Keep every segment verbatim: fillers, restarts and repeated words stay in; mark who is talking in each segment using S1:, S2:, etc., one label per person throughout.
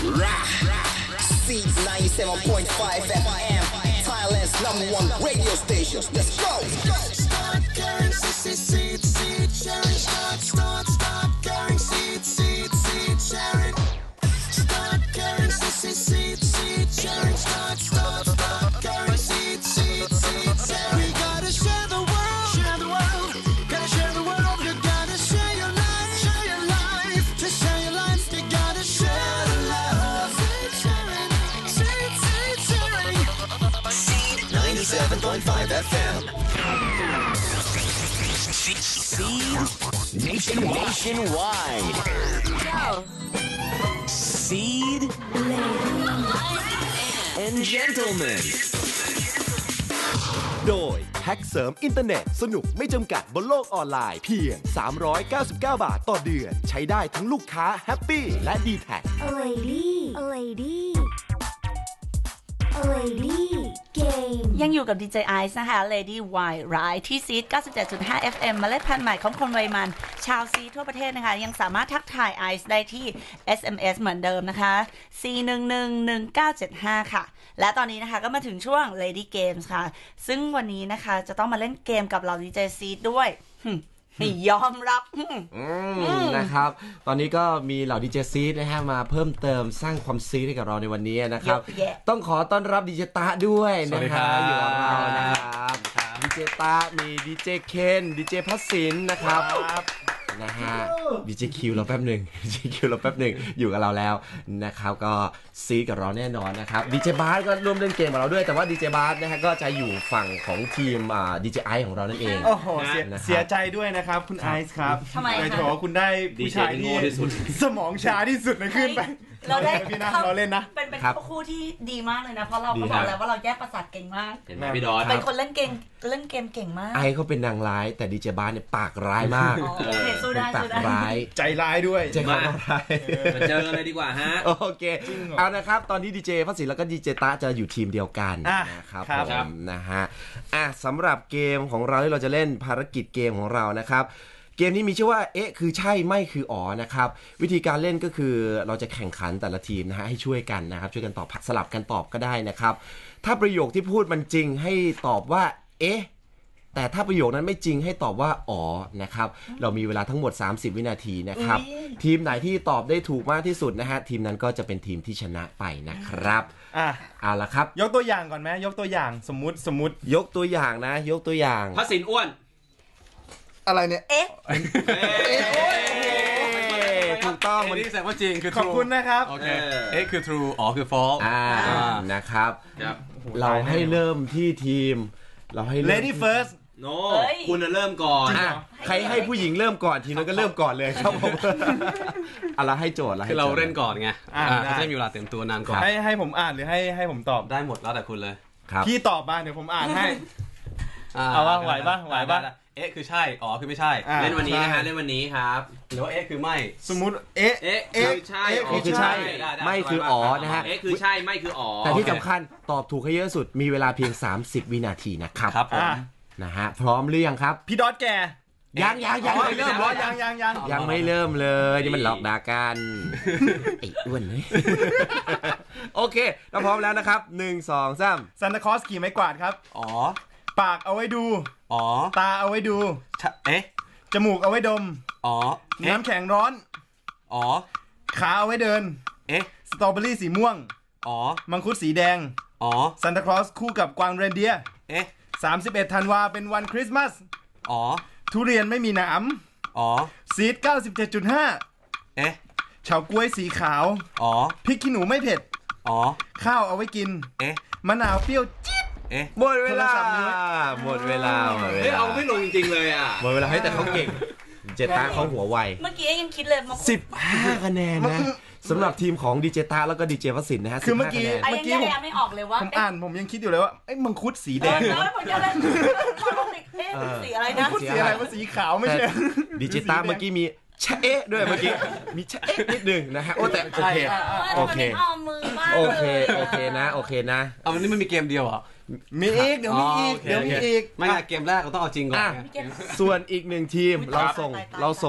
S1: Seeds ninety-seven point five F M, Thailand's number one radio station. Let's go. Start carrying seed, seed, seed, sharing. Start, start, start carrying seed, seed, seed, sharing. Start carrying seed, seed, seed, sharing. Start, start, start carrying seed, seed, seed, sharing. We gotta share the world, share the world. Gotta share the world. You gotta share your life, share your life. To share your life, you gotta share the love. Seed sharing, seed, seed sharing. Seed ninety-seven point five F M. Seed nationwide. Go. Seed and gentlemen โดยแพ็กเสริมอินเทอร์เน็ตสนุกไม่จำกัดบนโลกออนไลน์เพียงสามร้อยเก้าสิบเก้าบาทต่อเดือนใช้ได้ทั้งลูกค้าแฮปปี้และ ดี แท็ก
S2: A lady A lady A lady game
S3: ยังอยู่กับ ดี เจ Ice นะคะ Lady Wide Ride ที่ซีด เก้าสิบเจ็ดจุดห้า เอฟ เอ็ม เมล็ดพันธุ์ใหม่ของคนวัยมันชาวซีทั่วประเทศนะคะยังสามารถทักทาย Ice ได้ที่ เอส เอ็ม เอส เหมือนเดิมนะคะ สี่ หนึ่ง หนึ่ง หนึ่ง เก้า เจ็ด ห้า ค่ะและตอนนี้นะคะก็มาถึงช่วง Lady Games ค่ะซึ่งวันนี้นะคะจะต้องมาเล่นเกมกับเรา ดี เจ ซีดด้วยยอมรับ
S4: นะครับตอนนี้ก็มีเหล่าดีเจซีดนะฮะมาเพิ่มเติมสร้างความซีดให้กับเราในวันนี้นะครับต้องขอต้อนรับดีเจตาด้วยนะครับอยู่กับเรานะครับดีเจตามีดีเจเคนดีเจพัสสินนะครับนะฮะดีเจคิวเราแป๊บหนึ่งดีเจคิวเราแป๊บหนึ่งอยู่กับเราแล้วนะครับก็ซีดกับเราแน่นอนนะครับดีเจบาสก็ร่วมเล่นเกมกับเราด้วยแต่ว่าดีเจบาสนะฮะก็จะอยู่ฝั่งของทีมอ่าดีเจไอซ์ของเรานั่นเอง
S5: โอ้โหเสียเสียใจด้วยนะครับคุณไอซ์ครับ
S3: ทำไม
S5: คะโถคุณได้ผู้ชายที่สมองช้าที่สุดในขึ้นไป
S3: เราได้
S5: พี่นะเราเล่นนะ
S3: เป็นเป็นคู่ที่ดีมากเลยนะเพราะเราก็บอกแล้วว่าเราแยกประสาทเก่งมาก
S6: เห็นไหมพี่ดอส
S3: เป็นคนเล่นเกมเล่นเกมเก่งมาก
S4: ไอเขาเป็นนางร้ายแต่ดีเจบาสเนี่ยปากร้ายมาก
S3: สู้ได้
S4: ปากร้าย
S5: ใจร้ายด้วย
S4: ใจร้าย
S6: มาเจอกันเลยดีกว่าฮะ
S4: โอเคเอานะครับตอนนี้ดีเจพัสสินแล้วก็ดีเจตาจะอยู่ทีมเดียวกันนะครับผมนะฮะอ่ะสำหรับเกมของเราที่เราจะเล่นภารกิจเกมของเรานะครับเกมนี้มีชื่อว่าเอ๊ะคือใช่ไม่คืออ๋อนะครับวิธีการเล่นก็คือเราจะแข่งขันแต่ละทีมนะฮะให้ช่วยกันนะครับช่วยกันตอบสลับกันตอบก็ได้นะครับถ้าประโยคที่พูดมันจริงให้ตอบว่าเอ๊ะแต่ถ้าประโยคนั้นไม่จริงให้ตอบว่าอ๋อนะครับเรามีเวลาทั้งหมดสามสิบวินาทีนะครับทีมไหนที่ตอบได้ถูกมากที่สุดนะฮะทีมนั้นก็จะเป็นทีมที่ชนะไปนะครับอ่ะเอาละครับ
S5: ยกตัวอย่างก่อนไหมยกตัวอย่างสมมุติสมมุติ
S4: ยกตัวอย่างนะยกตัวอย่าง
S6: พัสสินอ้วน
S5: อะไรเนี่ย
S3: เอ๊ะ
S4: ถูกต้อง
S6: มันนี่แสดงว่าจริงคือ
S5: ขอบคุณนะครับ
S6: โอเคเอ๊ะคือ true อ๋อคือ false
S4: อ่านะครับเราให้เริ่มที่ทีมเราให้
S5: lady first
S6: โน้คุณเริ่มก่อน
S4: ใครให้ผู้หญิงเริ่มก่อนทีนั้นก็เริ่มก่อนเลยครับผมอะไรให้โจทย์อะไร
S6: คือเราเล่นก่อนไงเขาจะมีเวลาเตรียมตัวนานก่อน
S5: ให้ให้ผมอ่านหรือให้ให้ผมตอบ
S6: ได้หมดแล้วแต่คุณเลย
S5: พี่ตอบมาเดี๋ยวผมอ่านให้เอาว่าไหวป่ะไหวป่ะ
S6: เอ๊ะคือใช่อ๋อคือไม่ใช่เล่นวันนี้นะฮะเล่นวันนี้ครับหรือว่าเอ๊ะคือไม่
S5: สมมุติเอ๊ะ
S6: เอ๊ะคือใช่
S4: อ๋อคือใช่ไม่คืออ๋อนะฮะ
S6: เอ๊ะคือใช่ไม่คืออ๋อ
S4: แต่ที่สำคัญตอบถูกให้เยอะสุดมีเวลาเพียงสามสิบวินาทีนะครับ
S6: ครับผม
S4: นะฮะพร้อมหรือยังครับ
S5: พี่ดอทแก
S4: ยังยังยังไม่เริ่มเลย
S5: ยังยังยัง
S4: ยังไม่เริ่มเลยนี่มันหลอกด่ากันไอ้อ้วนเลยโอเคเราพร้อมแล้วนะครับหนึ่งสองสาม
S5: ซานตาคลอสขี่ไม้กวาดครับ
S4: อ๋อ
S5: ปากเอาไว้ดู
S4: อ๋อ
S5: ตาเอาไว้ดู
S4: เอ๊ะ
S5: จมูกเอาไว้ดม
S4: อ๋อ
S5: น้ำแข็งร้อน
S4: อ๋อ
S5: ขาเอาไว้เดิน
S4: เอ๊ะ
S5: สตรอเบอรี่สีม่วง
S4: อ๋อ
S5: มังคุดสีแดง
S4: อ๋อ
S5: ซานตาคลอสคู่กับกวางเรนเดียร์
S4: เอ๊ะ
S5: สามสิบเอ็ดธันวาเป็นวันคริสต์มาส
S4: อ๋อ
S5: ทุเรียนไม่มีหนาม
S4: อ๋อ
S5: ซีด เก้าสิบเจ็ดจุดห้า
S4: เอ๊ะ
S5: เฉาก๊วยสีขาว
S4: อ๋อ
S5: พริกขี้หนูไม่เผ็ด
S4: อ๋อ
S5: ข้าวเอาไว้กิน
S4: เอ๊ะ
S5: มะนาวเปรี้ยวจี๊ด
S4: เอ๊ะหมดเวลาหมดเวลาหมดเวลา
S6: เฮ้ยเอาไม่ลงจริงๆเลยอ่ะ
S4: หมดเวลาให้แต่เขาเก่งเจตาเขาหัวไว
S3: เมื่อกี้ยังคิดเลย
S4: สิบห้าคะแนนนะสำหรับทีมของดีเจตาแล้วก็ดีเจวสินนะฮะ
S5: คือเมื่อกี้
S3: เมื่อกี้ผมไม่ออกเลยว่า
S5: ผมอ่านผมยังคิดอยู่เลยว่าไอ้มังคุดสีแดง
S3: สีอะไรนะ
S5: สีอะไรว่าสีขาวไม่ใช่
S4: ดีเจตาเมื่อกี้มีชะเอ๊ะด้วยเมื่อกี้มีชะเอ๊ะนิดนึงนะฮะโอ้แต่โอเคโอเคโอเคโอเคนะโอเคนะ
S6: เอาวันนี้มันมีเกมเดียวเหรอ
S5: มีอีกเดี๋ยวมีอีกเดี๋ยวมีอีก
S6: ไม่เกมแรกเราต้องเอาจริงก่อน
S4: ส่วนอีกหนึ่งทีมเราส่งเราส่งอีก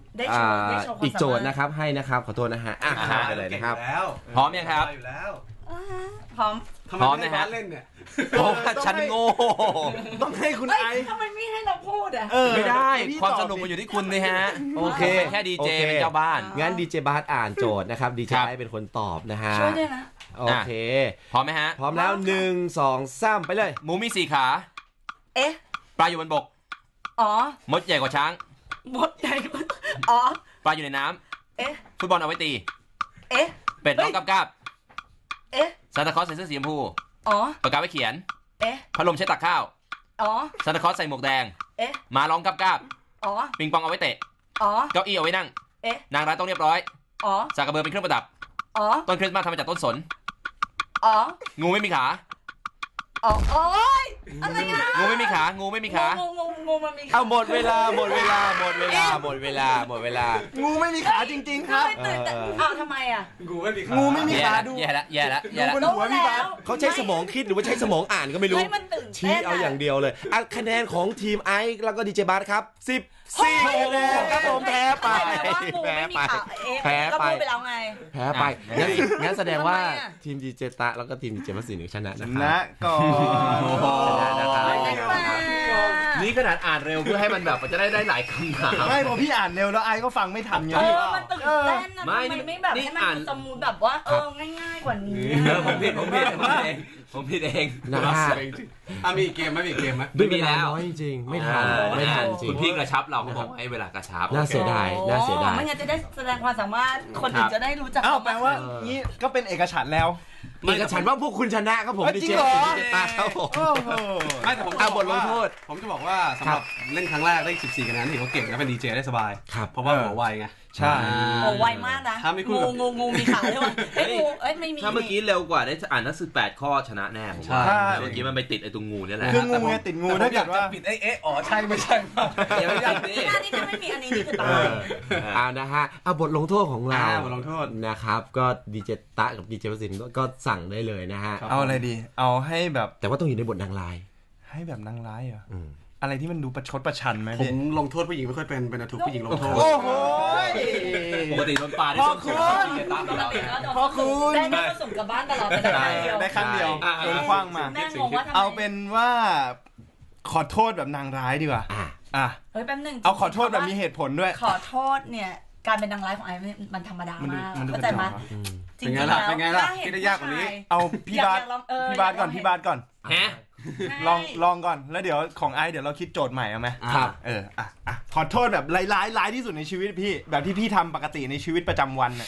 S3: ได้โชว์ได้โชว์ความสามารถ
S4: อีกโจทย์นะครับให้นะครับขอโทษนะฮะอ่ะข้ามไปเลยนะครับ
S6: พร้อมยังครับ
S3: พร้อม
S6: พร้อมนะฮะเล่นเนี่ยเพราะว่าฉันโง่
S5: ต้องให้คุณไอซ์
S3: ทำไมไม่ให้เราพูดอ่ะ
S6: ไม่ได้ความสนุกมันอยู่ที่คุณเลยฮะโอเคแค่ดีเจเป็นเจ้าบ้าน
S4: งั้นดีเจบาสอ่านโจทย์นะครับดีเจไอซ์เป็นคนตอบนะฮะ
S3: ช่วยด้วยนะ
S4: โอเค
S6: พร้อมไหมฮะ
S4: พร้อมแล้วหนึ่งสองสามไปเลย
S6: หมูมีสี่ขา
S3: เอ๊ะ
S6: ปลาอยู่บนบก
S3: อ๋อ
S6: มดใหญ่กว่าช้าง
S3: มดใหญ่อ๋อ
S6: ปลาอยู่ในน้
S3: ำเอ๊ะ
S6: ฟุตบอลเอาไว้ตี
S3: เอ๊ะ
S6: เป็ดร้องกับกับ
S3: เอ๊ะ
S6: ซานตาคลอสใส่เสื้อสีชมพู
S3: อ๋อ
S6: ปากกาไว้เขียน
S3: เอ๊ะ
S6: พัดลมใช้ตักข้าว
S3: อ๋อ
S6: ซานตาคลอสใส่หมวกแดง
S3: เอ๊ะ
S6: หมาร้องกับกับ
S3: อ๋อ
S6: ปิงปองเอาไว้เตะ
S3: อ๋อ
S6: เก้าอี้เอาไว้นั่ง
S3: เอ๊ะ
S6: นางร้ายต้องเรียบร้อย
S3: อ๋อ
S6: สากกระเบือเป็นเครื่องประดับ
S3: อ๋อ
S6: ต้นคริสต์มาสทำมาจากต้นสน
S3: อ๋อ
S6: งูไม่มีขา
S3: อ๋อโอ๊ยอะไรอ่ะ
S6: งูไม่มีขางูไม่มีขา
S3: งูงูงูมันมีขา
S4: เอาหมดเวลาหมดเวลาหมดเวลาหมดเวลาหมดเวลา
S5: งูไม่มีขาจริงๆครับ
S3: อ้าวทำไมอ่ะ
S5: งูไม่มีขางูไม่มีขาดู
S6: แย่ละแย่ละแย่ละ
S5: ดูหัวพี่บาส
S4: เขาใช้สมองคิดหรือว่าใช้สมองอ่านก็ไม่รู้ชี้เอาอย่างเดียวเลยอ่ะคะแนนของทีมไอซ์แล้วก็ดีเจบาสครับสิบสี่คะแนนครับผมแพ้ไปแพ้ไปแพ้ไป
S3: ไปแล้วไง
S4: แพ้ไปงั้นงั้นแสดงว่าทีมดีเจตะแล้วก็ทีมดีเจมัสสินชนะนะ
S5: นะก่อน
S4: ชนะนะครับ
S6: นี่ขนาดอ่านเร็วเพื่อให้มันแบบจะได้ได้หลายคำถาม
S5: ไม่พอพี่อ่านเร็วแล้วไอ้ก็ฟังไม่ทันไง
S3: เออมันตื่นเต้นนะมันไม่แบบให้มันสมูทแบบว่าเออง่ายๆกว่านี้
S6: ผมผิดผมผิดผมผิดเองผมผิดเอง
S4: นะฮะ
S6: อ่ะมีเกมไหมมีเกมไหม
S4: ไม่มีแล้วจริงๆไม่ทันไม่ทันจริง
S6: คุณพี่กระชับเราเขาบอกให้เวลากระชับ
S4: น่าเสียดายน่าเสียดาย
S3: ไม่งั้นจะได้แสดงความสามารถคนอื่นจะได้รู้จัก
S5: อ้าวแปลว่านี่ก็เป็นเอกฉันท์แล้ว
S4: เอกฉันท์ว่าพวกคุณชนะครับผมดีเจดีเจตาครับผม
S6: ไม่แต่ผม
S4: เอาบทลงโทษ
S6: ผมจะบอกว่าสำหรับเล่นครั้งแรกได้สิบสี่คะแนนถือว่าเก่งและเป็นดีเจได้สบายเพราะว่าหัวไวไง
S5: ใช่
S3: โอ้ไวมากนะงูงูงูมีขาใช่ไหมเอ้ยงูเอ้ยไม่มี
S6: ถ้าเมื่อกี้เร็วกว่าได้อ่านทั้งสิบแปดข้อชนะแน่ผมว่าเมื่อกี้มันไปติดไอ้ตรงงูนี่แหละ
S5: คืองูไงติดงูถ้าเกิดว่า
S6: ปิดไอ้เอ๊ะอ๋อใช่ไม่ใช่
S3: เดี๋ยวอย่างนี้อันนี้ถ้าไม่มีอันนี้นี่คือตาย
S4: อ่านะฮะเอาบทลงโทษของเรา
S6: บทลงโทษ
S4: นะครับก็ดีเจตะกับดีเจวสินก็สั่งได้เลยนะฮะ
S5: เอาอะไรดีเอาให้แบบ
S4: แต่ว่าต้องอยู่ในบทนางร้าย
S5: ให้แบบนางร้ายเหรออะไรที่มันดูประชดประชันไหม
S6: ผมลงโทษผู้หญิงไม่ค่อยเป็นเป็นถูกผู้หญิงลงโทษ
S5: โอ้โห
S6: ปกติโดนปาได้
S5: ส้นสูงพ่อคุณ
S3: ได้ได้ส่งกลับบ้านตลอดไป
S5: ได้ครั้งเดียวโดนคว้างมาเอาเป็นว่าขอโทษแบบนางร้ายดีกว่าอ่ะ
S3: เฮ้ยแป๊บนึง
S5: เอาขอโทษแบบมีเหตุผลด้วย
S3: ขอโทษเนี่ยการเป็นนางร้ายของไอ้มันธรรมดามากเข้าใจไหม
S6: จริงๆแล้วเป็นไงล่ะคิดได้ยากกว่านี้
S5: เอาพี่บาสพี่บาสก่อนพี่บาสก่อน
S6: ฮะ
S5: ลองลองก่อนแล้วเดี๋ยวของไอเดี๋ยวเราคิดโจทย์ใหม่เอาไหม
S4: ครับ
S5: เอออ่ะอ่ะขอโทษแบบร้ายร้ายที่สุดในชีวิตพี่แบบที่พี่ทำปกติในชีวิตประจำวันน่ะ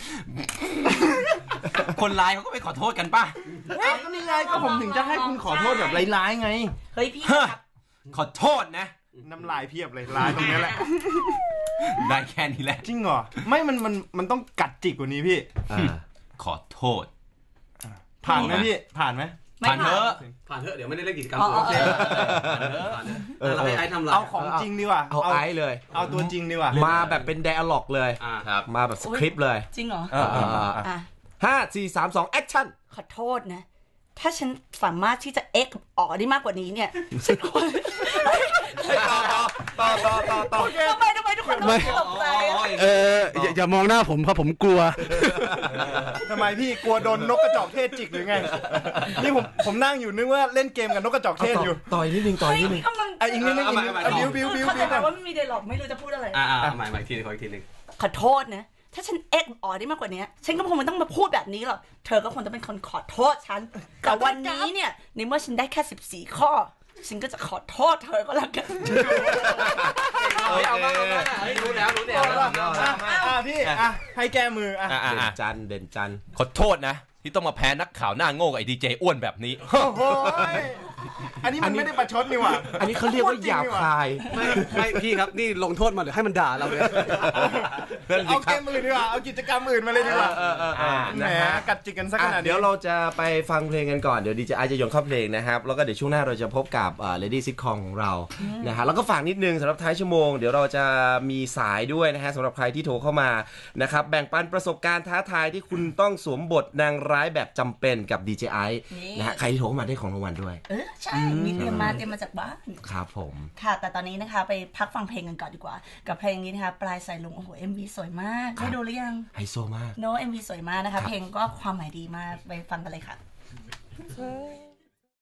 S6: คนร้ายเขาก็ไปขอโทษกันป่ะ
S5: อ้าวก็นี่ไงก็ผมถึงจะให้คุณขอโทษแบบร้ายๆไง
S3: เฮ้ยพี่
S6: ขอโทษนะ
S5: น้ำลายเพียบเลยร้ายตรงนี้แหละ
S6: ได้แค่นี้แหละ
S5: จริงเหรอไม่มันมันมันต้องกัดจิกกว่านี้พี่
S6: ขอโทษ
S5: ผ่านไหมพี่ผ่านไหม
S6: ผ่านเถอะผ่านเถอะเดี๋ยวไม่ได้เล่นกิจกรรมโอเคผ่านเถอะเราให้ไอ้ทำอะไร
S5: เอาของจริงดีกว่า
S4: เอาไอ้เลย
S5: เอาตัวจริงดีกว่า
S4: มาแบบเป็นไดอะล็อกเลยมาแบบสคริปต์เลย
S3: จริงเหรอ
S4: ห้าสี่สามสองแอคชั่น
S3: ขอโทษนะถ้าฉันสามารถที่จะเอ็กอ๋อได้มากกว่านี้เนี่ยฉันควร
S5: ต่อต่อต่อต่อต่อ
S3: ทำไมทำไมทุกคนต้องตกใจ
S7: เอออย่ามองหน้าผมเพราะผมกลัว
S5: ทำไมพี่กลัวโดนนกกระจอกเทศจิกหรือไงนี่ผมผมนั่งอยู่นึกว่าเล่นเกมกับนกกระจอกเทศอยู่
S4: ต่อยนิดนึงต่อยนิดนึง
S5: ไอ้อีกนิดนึงบิวบิวบิว
S3: บิวแต่ว่าไม่มีไดร็อกไม่รู้จะพูดอะไร
S6: อ่าใหม่ใหม่ทีนึงขออีกทีนึง
S3: ขอโทษนะถ้าฉันเอ็กอ๋อได้มากกว่านี้ฉันก็คงไม่ต้องมาพูดแบบนี้หรอกเธอก็คงจะเป็นคนขอโทษฉันแต่วันนี้เนี่ยในเมื่อฉันได้แค่สิบสี่ข้อฉันก็จะขอโทษเธอก็แล้วกัน
S6: เฮ้ยเอามาเอามาเฮ้ยรู้แล้วรู้แล้ว
S5: อ่ะพี่อ่ะให้แก้มืออ่ะ
S4: เด่นจันเด่นจัน
S6: ขอโทษนะที่ต้องมาแพ้นักข่าวหน้าโง่กับไอ้ดีเจอ้วนแบบนี้
S5: โอ้โหอันนี้มันไม่ได้ประชดนี่หว่า
S4: อันนี้เขาเรียกว่าหยาบคาย
S6: ไม่ไม่พี่ครับนี่ลงโทษมาหรือให้มันด่าเราเลย
S5: เอาเกมอื่นดีกว่าเอากิจกรรมอื่นมาเลยดีกว่าแหมกัดจิกกันสักขนาด
S4: เดี๋ยวเราจะไปฟังเพลงกันก่อนเดี๋ยวดีเจไอจะโยนเข้าเพลงนะครับแล้วก็เดี๋ยวช่วงหน้าเราจะพบกับเลดี้ซิทคอมของเรานะฮะแล้วก็ฝากนิดนึงสำหรับท้ายชั่วโมงเดี๋ยวเราจะมีสายด้วยนะฮะสำหรับใครที่โทรเข้ามานะครับแบ่งปันประสบการณ์ท้าทายที่คุณต้องสวมบทนางร้ายแบบจำเป็นกับดีเจไอนะฮะใครที่โทรเข้ามาได้ของรางวัลด้วย
S3: ใช่มีเตรียมมาเตรียมมาจากบ้าน
S4: ครับผม
S3: ค่ะแต่ตอนนี้นะคะไปพักฟังเพลงกันก่อนดีกว่ากับเพลงนี้นะคะปลายสายลุงโอ้โห เอ็ม วี สวยมากได้ดูหรือยัง
S4: ไฮโซมาก
S3: โน้ เอ็ม วี สวยมากนะคะเพลงก็ความหมายดีมากไปฟังกันเลยค่ะ